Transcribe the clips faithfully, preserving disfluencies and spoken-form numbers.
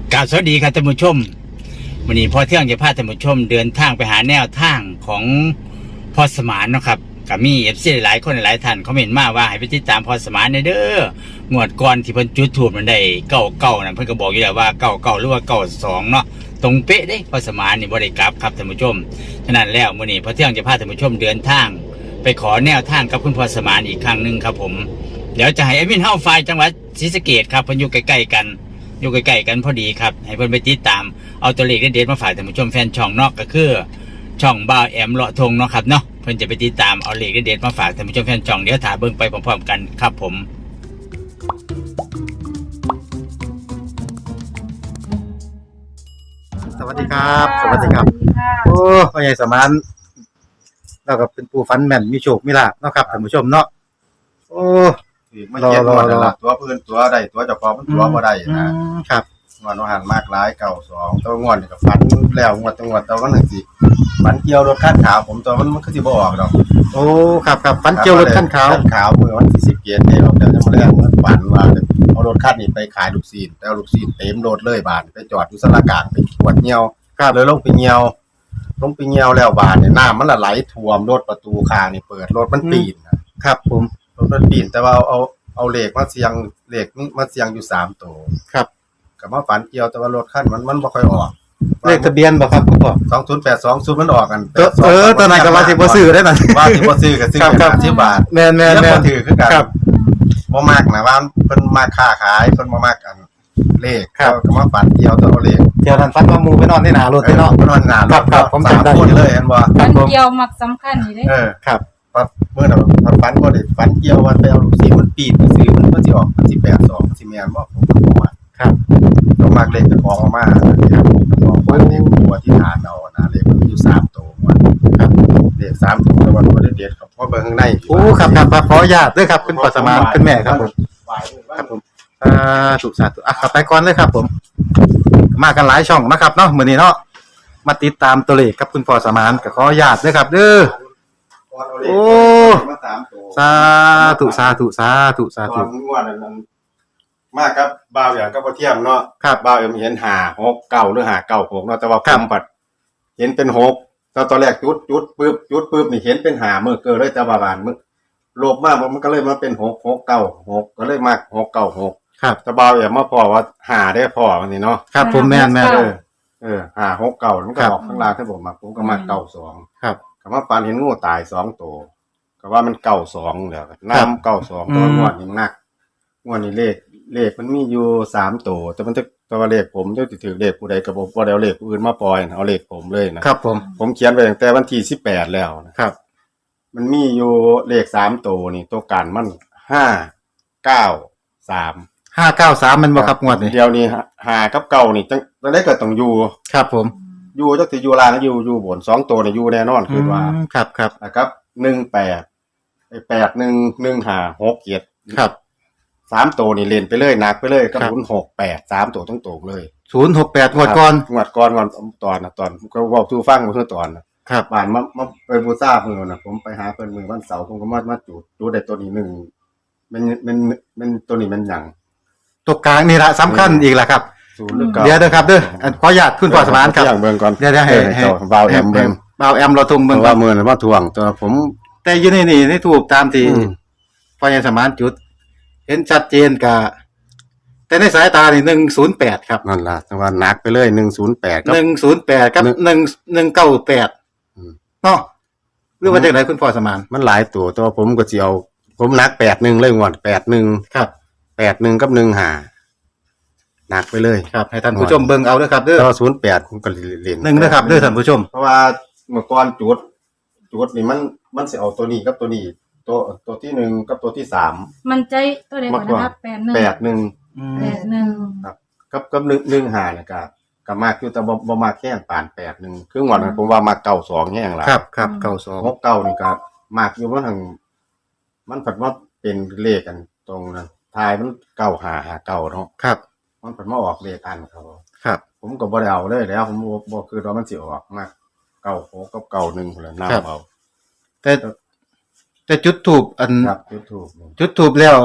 กราบสวัสดีครับท่านผู้ชมวันนี้พอเที่ยงจะพาท่านผู้ชมเดินทางไปหาแนวทางของพอสมานนะครับกับมีเอฟซีหลายคนหลายท่านเขาเห็นมาว่าให้ไปติดตามพอสมานในเด้องวดก่อนที่เพิ่นจุดถูกมันได้เก้าเก้านั่นเพิ่นก็บอกอยู่แล้วว่าเก้าเก้าหรือว่าเก้าสองเนาะตรงเป๊ะเด้พอสมานนี่บ่ได้กลับครับท่านผู้ชมฉะนั้นแล้วมื้อนี้พอเที่ยงจะพาท่านผู้ชมเดินทางไปขอแนวทางกับคุณพอสมานอีกครั้งนึงครับผมเดี๋ยวจะให้แอดมินเฮาฝ่ายจังหวัดศรีสะเกษครับเพิ่นอยู่ใกล้ๆกันอยู่ใกล้ๆกันพอดีครับให้เพิ่นไปติดตามเอาตัวเลขเด็ดๆมาฝากท่านผู้ชมแฟนช่องเนาะก็คือช่องบ่าวแอมเลาะทงเนาะครับเนาะเพิ่นจะไปติดตามเอาเลขเด็ดๆมาฝากท่านผู้ชมแฟนช่องเดี๋ยวถ่าเบิ่งไปพร้อมๆกันครับผมสวัสดีครับสวัสดีครับโอ้พ่อใหญ่สมานเราก็เป็นผู้ฟันแม่นมีโชคมีลาภเนาะครับท่านผู้ชมเนาะโอ้ถือไม่เก็ตหมดนั่นล่ะตัวพื้นตัวใดตัวเจ้าของมันตัวบ่ได้นะครับงวดว่าหันมากหลายเก่าสองตัวงวดนี่ก็ฝันแล้วงวดจังหวัดตัวมันจังซี่ฝันเกี่ยวรถคันขาวผมตัวมันมันคือสิบ่ออกดอกโอ้ครับครับฟันเกี่ยวรถคันขาวคันขาวมื้อวันที่สิบเจ็ดนี่ออกแล้วจะมาแรงมันฝันว่าเอารถคันนี้ไปขายลูกชิ้นแล้วลูกชิ้นเต็มรถเลยบาดไปจอดอยู่สระกลางไปปวดเหี่ยวครับเลยลงไปเหี่ยวลงไปเหี่ยวแล้วบาดนี่น้ำมันละไหลท่วมรถประตูข้างนี่เปิดรถมันปีนครับผมรถมันปีนแต่ว่าเอาเอาเลขมาเสียงเลขมาเสียงอยู่สามตัวครับก็มาฝันเกี่ยวแต่ว่ารถคันมันมันบ่ค่อยออกเลขทะเบียนบ่ครับพ่อสองศูนย์แปดสองศูนย์มันออกกันเออตอนนั้นก็ว่าสิบ่ซื้อได้นั่นว่าสิบ่ซื้อก็ซื้อห้าสิบบาทแม่นๆๆบ่ถือคือกันบ่มักนะว่าเพิ่นมาค้าขายเพิ่นบ่มักกันเลขก็มาฝันเกี่ยวแต่เอาเลขเดี๋ยวนั้นฝันว่าหมู่ไปนอนในหน้ารถเนาะนอนหน้ารถครับผมจำได้เลยเห็นบ่ฝันเกี่ยวมักสำคัญนี่เด้เออครับเมื่อน่ะฝันบ่ได้ฝันเกี่ยวว่าไปเอาลูกศิษย์มันปีนไปซื้อมันมันสิออกมันสิแปดสองสิแม่นบ่ผมก็บ่ว่าครับต้องมักเลขเจ้าของมาครับของฝันเลขตัวที่ฐานเอานะเลขมันมีอยู่สามตัวว่าครับเลขสามตัวแต่ว่าบ่ได้เด็ดครับเพราะเบิ่งข้างในโอ้ครับครับขออนุญาตด้วยครับคุณพ่อสมานคุณแม่ครับผมครับผมอ่าถูกสาธุอ่ะขับไปก่อนเลยครับผมมากันหลายช่องนะครับเนาะมื้อนี้เนาะมาติดตามตัวเลขกับคุณพ่อสมานก็ขออนุญาตด้วยครับเด้อโอ้สาธุสาธุสาธุสาธุงวดนั้นมาครับบ่าวอย่างก็บ่เทียมเนาะครับบ่าวเอ็มเห็นห้า หก เก้าหรือห้า เก้า หกเนาะแต่ว่าผมปัดเห็นเป็นหกตอนตอนแรกจุดจุดปึ๊บจุดปึ๊บนี่เห็นเป็นห้ามื้อเกิดเลยแต่ว่าบานมื้อโลภมากมันก็เลยมาเป็นหก หก เก้า หกก็เลยมาหก เก้า หกครับแต่บ่าวเอ็มมาพอว่าห้าได้พอวันนี้เนาะครับผมแม่นๆเออเออห้า หก เก้ามันก็ออกข้างล่างที่ผมมาผมก็มาเก้าสองครับก็มาปานเห็นงูตายสองตัวก็ว่ามันเก้าสองแล้วน้ำเก้าสองตัวงวดนี่หนักงวดนี้เลขเลขมันมีอยู่สามตัวแต่มันจะตัวเลขผมจะถือเลขผู้ใดก็บ่บ่ได้เอาเลขผู้อื่นมาปล่อยเอาเลขผมเลยนะครับผมผมเขียนไว้ตั้งแต่วันที่สิบแปดแล้วนะครับมันมีอยู่เลขสามตัวนี่ตัวกันมันห้า เก้า สามห้า เก้า สามมันบ่ครับงวดนี้เดี๋ยวนี้ห้ากับเก้านี่จังจังได๋ก็ต้องอยู่ครับผมอยู่จักสิอยู่ล่างอยู่อยู่บนสองตัวนี่อยู่แน่นอนคือว่าครับครับนะครับหนึ่งแปดไอ้แปด หนึ่ง หนึ่ง ห้า หก เจ็ดครับสามตัวนี่เล่นไปเลยหนักไปเลยกับศูนย์ หก แปด สามตัวตรงๆเลยศูนย์ หก แปดงวดก่อนงวดก่อนวันตอนน่ะตอนก็เว้าสู่ฟังมื้อตอนน่ะครับบ้านมามาไปบูชาเพิ่นน่ะผมไปหาเพิ่นมื้อวันเสาร์ผมก็มามาจุดจุดได้ตัวนี้หนึ่งมันมันมันตัวนี้มันหยังตัวกลางนี่ล่ะสำคัญอีกล่ะครับศูนย์หรือเก้าเดี๋ยวเด้อครับเด้อขออนุญาตคุณพ่อสมานครับอย่างเบิ่งก่อนเดี๋ยวๆให้ให้บ่าวแอมเบิ่งบ่าวแอมเราทงเบิ่งว่ามื้อนั้นมาทวงตัวผมแต่อยู่ในนี่ในทูปตามที่พ่อใหญ่สมานจุดเห็นชัดเจนกะแต่ในสายตานี่หนึ่งศูนย์แปดครับนั่นล่ะแต่ว่าหนักไปเลยหนึ่งศูนย์แปดกับหนึ่งศูนย์แปดกับหนึ่ง หนึ่งเก้าแปดอืมเนาะหรือว่าจังได๋คุณพ่อสมานมันหลายตัวแต่ว่าผมก็สิเอาผมหนักแปดสิบเอ็ดเลยงวดแปดสิบเอ็ดครับแปดสิบเอ็ดกับหนึ่งห้าหนักไปเลยครับให้ท่านผู้ชมเบิ่งเอาเด้อครับเด้อแต่ว่าศูนย์แปดผมก็เล่นหนึ่งเด้อครับเด้อท่านผู้ชมเพราะว่าเมื่อก่อนจุดจุดนี่มันมันสิเอาตัวนี้กับตัวนี้ตัวตัวที่หนึ่งกับตัวที่สามมันใจตัวใดก่อนนะครับแปด หนึ่งแปด หนึ่งอืมแปด หนึ่งครับกับกับหนึ่ง หนึ่ง ห้านี่ก็ก็มากอยู่แต่บ่บ่มากแค่ปานแปด หนึ่งคืองวดนั้นผมว่ามาเก้าสองแฮงล่ะครับครับเก้าสองหก เก้านี่ก็มากอยู่มันทั้งมันผัดว่าเป็นเลขกันตรงนั้นทายมันเก้า ห้า ห้า เก้าเนาะครับมันผัดมาออกเลขอันเขาครับผมก็บ่ได้เอาเลยแล้วผมบ่บ่คือว่ามันสิออกมาเก้า หกกับเก้า หนึ่งพุ่นล่ะนำเอาแต่แต่จุดธูปอันครับจุดธูปจุดธูปแล้ว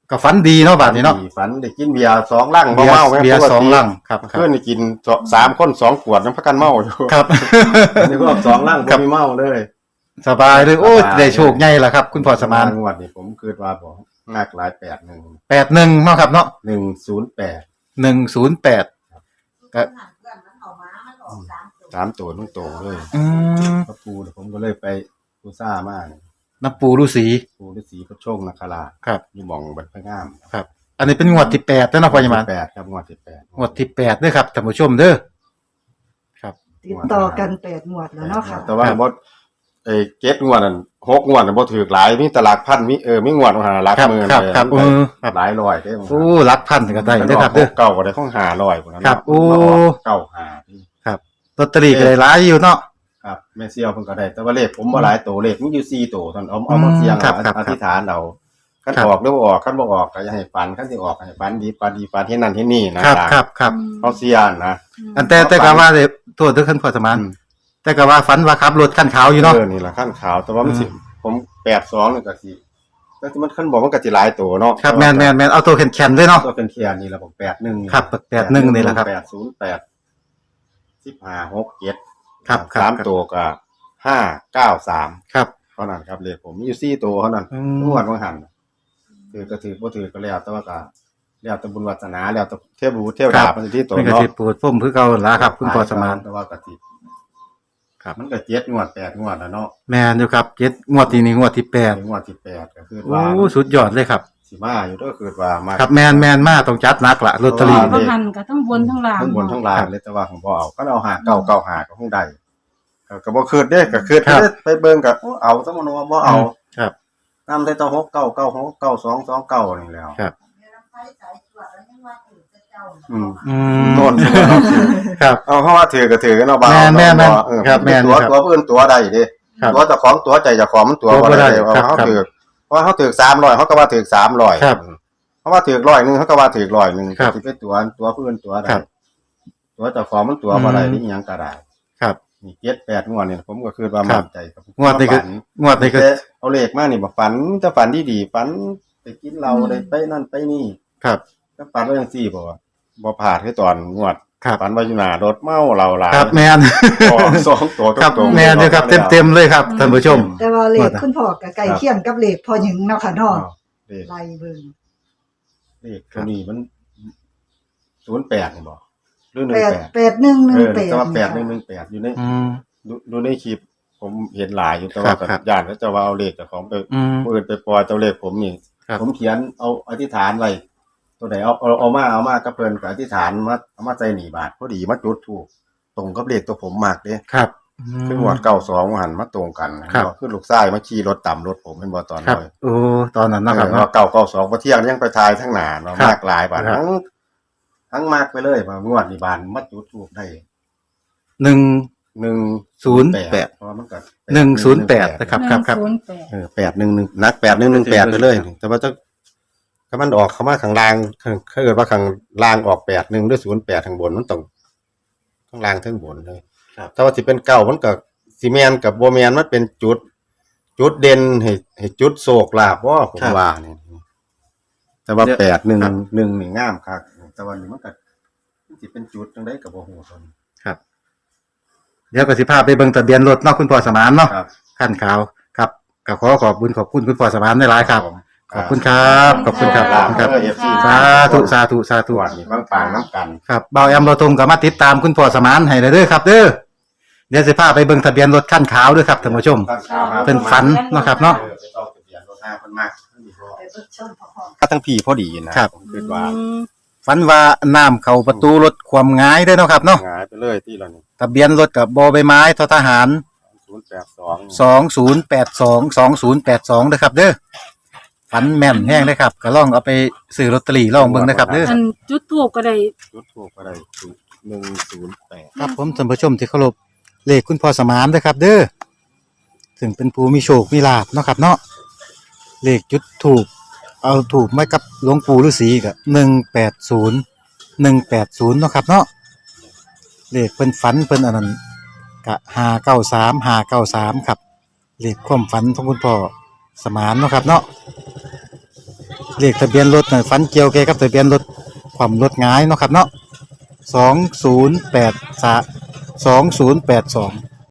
ก็ฝันดีเนาะบาดนี้เนาะฝันได้กินเบียร์สองลังบ่เบียร์เมาแม่เบียร์สองลังครับครับเพื่อนได้กินสองสามคนสองขวดน้ำพักกันเมาอยู่ครับอันนี้ก็สองลังบ่มีเมาเลยสบายเลยโอ้สบายได้โชคใหญ่ล่ะครับ คุณพ่อสมานงวดนี้ผมคิดว่าบ่นักหลายแปดหนึ่งแปดหนึ่งเนาะครับเนาะหนึ่งศูนย์แปดหนึ่งศูนย์แปดก็สามตัวต้องโตเลยอืมพระปูเนี่ยผมก็เลยไปปูซ่ามาเนี่ยน้ำปูฤาษีปูฤาษีพระโชคนาคราชครับอยู่หม่องบัดพระงามครับ อันนี้เป็นงวดที่แปดแล้วเนาะพ่อสมานแปดครับงวดที่แปดงวดที่แปดเด้อครับท่านผู้ชมเด้อครับติดต่อกันแปดหมวดแล้วเนาะค่ะแต่ว่าครับบ่เอ้เก็ดงวดนั่นหกงวดน่ะบ่ถูกหลายมีแตหลาดพันมีเออมีงวดของหาหลักครับหมื่นครับเลยครับมันเออครับหลายร้อยเด้โอ้รักพันก็ได้เด้อครับเด้อเก่าก็ได้ของห้าร้อยพุ่นน่ะครับโอ้เก้าห้าพี่ครับลอตเตอรี่ก็ได้หลายอยู่เนาะครับแม่เสี่ยวเพิ่นก็ได้แต่ว่าเลขผมบ่หลายตัวเลขมีอยู่สี่ตัวเท่านั้นเอาเอามาเสี่ยงครับเอาครับอธิษฐานเอาคันครับออกหรือบ่ออกคันบ่ออกก็อย่าให้ฝันคันสิออกให้ฝันดีฝันดีฝันเฮ็ดนั่นเฮ็ดนี่นะครับครับครับเอาเสี่ยงนะอันแต่แต่ก็ว่าเลยโทษเด้อท่านพ่อสมานอืมแต่ก็ว่าฝันว่าขับรถคันขาวอยู่เนาะเออนี่ล่ะขั้นขาวแต่ว่ามันสิผมแปดสองนี่ก็สิแต่ที่มันคันบอกมันก็สิหลายตัวเนาะครับแมนแมนแมนเอาตัวแข็งๆเลยเนาะตัวเป็นเทียนนี่ล่ะผมแปดหนึ่งครับแปดหนึ่งนี่แหละครับแปดศูนย์แปดสิบห้าหกเจ็ดครับครับสามตัวก็ห้าเก้าสามครับเท่านั้นครับเลขผมมีอยู่สี่ตัวเท่านั้นอืมทุกวันวันหันถือก็ถือบ่ถือก็แล้วแต่ว่าก็แล้วแต่บุญวาสนาแล้วแต่เทพบุตรเทวดาเป็นที่ตัวเป็นกระเนาะสิปวดพุ่มคือเก่าล่ะครับ คุณพ่อสมานแต่ว่าก็สิครับมันก็เจ็ดงวดแปดงวดแล้วเนาะแมนอยู่ครับเจ็ดงวดที่นี่งวดที่แปดงวดที่แปดก็คือโอ้ว่าสุดยอดเลยครับสิมาอยู่ก็คือว่ามาครับแมนแมนมากต้องจัดหนักละลอตเตอรี่เพเพราะราะว่าหันก็ทั้งบนทั้งล่างทั้งบนทั้งล่างครับเลยแต่ว่าของบ่เอาก็เอาหาเก้าเก้าหาก็คงได้ก็ก็บ่คืดเด้ก็คืดครับเด้ไปเบิ่งก็โอ้เอาซะมันว่าบ่เอาครับนำใส่ต่อหกเก้าเก้าหกเก้าสองสองเก้านี่แล้วครับอืมอืมโน่นตัวเนาะครับเอาเพราะว่าถือก็ถือกันเนาะบ่าวแม่นแม่นเออครับแม่นตัวครับตัวอื่นตัวใดเด้ครับตัวเจ้าของตัวใจเจ้าของมันตัวตัวบ่บ่ได้ได้ครับเอาครับถือเพราะว่าเขาถือสามร้อยเขาก็ว่าถือสามร้อยครับเพราะว่าถือร้อยหนึงเขาก็ว่าถือร้อยหนึงครับสิเป็นตัวตัวผู้อื่นตัวใดครับตัวเจ้าของมันตัวบ่ได้อืมนี่หยังก็ได้ครับนี่เจ็ดแปดงวดนี่ผมก็คือว่าครัมั่บนใจครับงวดนี้ก็ฝังวดนี้ก็แต่เอาเลขมานี่บ่ฝันจะฝันดีๆฝันไปกินเหล้าได้ไปนั่นไปนี่ครับก็ฝันว่าจังซี่บ่ว่าบ่พลาดคือตอนงวดครับฝันว่าอยู่หน้ารถเมาเหล้าหลายครับแมนออกสองตัวครับตรงๆแมนอยู่ครับเต็มเต็มๆเลยครับท่านผู้ชมแต่ว่าเลว่าขแต่คุณพ่อกับไก่เคียงกับเลขพ่อหญิงเนาะค่ะเนาะอ้าวเลขไล่เบิ่งเลขตัวนี้มันศูนย์แปดนี่บ่หรือหนึ่แปงดแปดแปดหนึ่งหนึ่เอง อแปดแต่ว่าแปดหนึ่งหนึ่งแปดอยู่ในอืมดูดูในคลิปผมเห็นหลายอยู่แต่ว่าครับครับย่านเขาจะว่าเอาเลขเจ้าของไปอืมผู้อื่นไปปล่อยเจ้าเลขผมนี่ครับผมเขียนเอาอธิษฐานไว้ตัวไหนเอาเอาเอามาเอามากับเพิ่นก็อธิษฐานมาเอามาใส่หนีบาทพอดีมาจุดถูกตรงกับเลขตัวผมมากเด้ครับคือหวดเก้าสองหันมาตรงกันนะครับ คือลูกชายมาขี่รถต่ำรถผมเป็นบ่ตอนครับน้อยโอ้ตอนนั้นนะนะคครัรับบ ว่าเก้าเก้าสองพอเที่ยงยังไปทายทั้งหนาเนาะครับมากหลายบาทครับทั้งทั้งมากไปเลยว่างวดนี่บานมาจุดถูกได้หนึ่งหนึ่งศูนย์แปดเพราะว่ามันก็หนึ่งศูนย์แปดนะครับหนึ่งศูนย์แปดเออแปดหนึ่งหนึ่งนักแปดหนึ่งหนึ่งแปดไปเลย แต่ว่าจะถ้ามันออกเข้ามาข้างล่างข้างถ้าเกิดว่าข้างล่างออกแปดหนึ่งด้วยศูนย์แปดข้างบนมันต้องข้างล่างทั้งบนเลยถ้าว่าสิเป็นเก้ามันก็ซีเมนกับโบแมนมันเป็นจุด จุดเด่นให้ให้จุดโศกลาบว่าผมว่านี่แต่ว่าแปดหนึ่งหนึ่งนี่งามครับแต่ว่านี่มันก็สิเป็นจุดจังไดกับโบหูตนครับ เดี๋ยวก็สิพาไปเบิ่งทะเบียนรถเนาะคุณพ่อสมานเนาะครับขั้นขาวครับก็ขอขอบคุณขอบคุณคุณพ่อสมานหลายๆครับผมขอบคุณครับ ขอบคุณครับขอบคุณครับเออ เอฟ ซีสาธุสาธุสาธุตรวจนี่บางปางน้ำกันครับเบาแอมเราตรงกับมาติดตามคุณพ่อสมานให้เด้อครับ เด้อเดี๋ยวสิพาไปเบิ่งทะเบียนรถขั้นขาวด้วยครับท่านผู้ชม เป็นฝันเนาะครับเนาะเออไปต้องทะเบียนรถหน้าเพิ่นมากไปเบิ่งชมพ่อถ้าทั้งพี่พอดีนะครับ ผมคิดว่าฝันว่าน้ำเข้าประตูรถความง่ายเด้อเนาะครับเนาะหงายไปเลยที่เรานี่ทะเบียนรถกับบอใบไม้ททหารศูนย์แปดสองสองศูนย์แปดสองสองศูนย์แปดสองเด้อครับ เด้อฝันแม่นแห้งเลยครับก็ลองเอาไปซื้อลอตเตอรี่ลองเบิ่งนะครับเด้ออันจุดทูบก็ได้จุดถูกก็ได้หนึ่งศูนย์แปดครับผมท่านผู้ชมที่เคารพเลขคุณพ่อสมานเด้อครับ เด้อถึงเป็นผู้มีโชคมีลาภเนาะครับเนาะเลขจุดถูกเอาถูกไว้กับหลวงปู่ฤาษีก็หนึ่งแปดศูนย์หนึ่งแปดศูนย์เนาะครับเนาะเลขเพิ่นฝันเพิ่นอันนั้นก็ห้าเก้าสามห้าเก้าสามครับเลขความฝันของคุณพ่อสมานเนาะครับเนาะเลขทะเบียนรถน่ะฝันเกี่ยวแกกับทะเบียนรถความรถหงายเนาะครับเนาะสองศูนย์แปดสามสองศูนย์แปดสอง